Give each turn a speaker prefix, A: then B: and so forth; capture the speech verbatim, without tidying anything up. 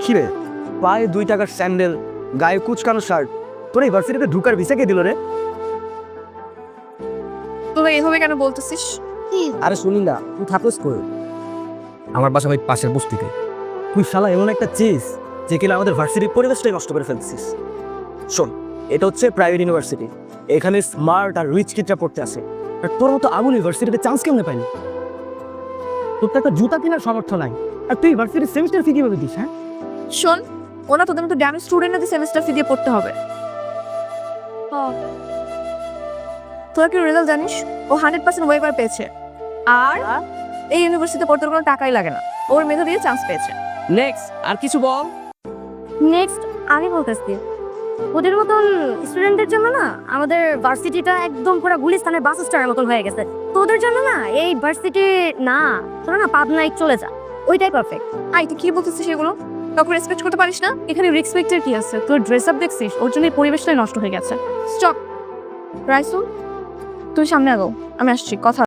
A: কিরে পায়ে দুই টাকার স্যান্ডেল, গায়ে কুচকানো শার্ট, তোর ইউনিভার্সিটিতে ঢুকার ভিসা কে দিল রে?
B: তোরা এভাবে কেন বলতেছিস?
A: আরে শুনি না, তুই থাকস কই?
C: আমার বাসা ওই পাশের বস্তিতে।
A: তুই শালা এমন একটা চিজ যে কিনা আমাদের ভার্সিটির পরিবেশটাই নষ্ট করে ফেলছিস। শোন, এটা হচ্ছে প্রাইভেট ইউনিভার্সিটি, এখানে স্মার্ট আর রিচ কিডরা পড়তে আসে। আর তোর মতো আগুন ইউনিভার্সিটিতে চান্স কেমনে পাইনি? তোর তো একটা জুতা কেনার সামর্থ্য নাই, আর তুই ইউনিভার্সিটির সেমিস্টার ফি কিভাবে দিস? হ্যাঁ
B: শোন, ওনা তোদের মতো ড্যামেজ স্টুডেন্টদের সেমিস্টার ফি দিয়ে পড়তে হবে। তোরা কি রেজাল্ট জানিস? ও হান্ড্রেড পার্সেন্ট ওয়েভার পেয়েছে, আর এই ইউনিভার্সিটিতে পড়তে ওর কোনো টাকাই লাগে না। ওর মেধা দিয়ে চান্স পেয়েছে।
C: নেক্সট আর কিছু বল।
D: নেক্সট আমি বলতেছি, ওদের মতন স্টুডেন্টদের জন্য না আমাদের ভার্সিটিটা একদম পুরো গুলিস্তানের বাস স্ট্যান্ডের মতন হয়ে গেছে। তো ওদের জন্য না এই ভার্সিটি না, তোরা না পাবনায় চলে যা, ওইটাই পারফেক্ট।
B: আই তুই কি বলতেছিস সেগুলো? কাউকে রেসপেক্ট করতে পারিস না? এখানে রেসপেক্টের কি আছে? তোর ড্রেস আপ দেখছিস? ওর জন্য এই পরিবেশটাই নষ্ট হয়ে গেছে। স্টপ রাইসুল, তুই সামনে আগো, আমি আসছি, কথা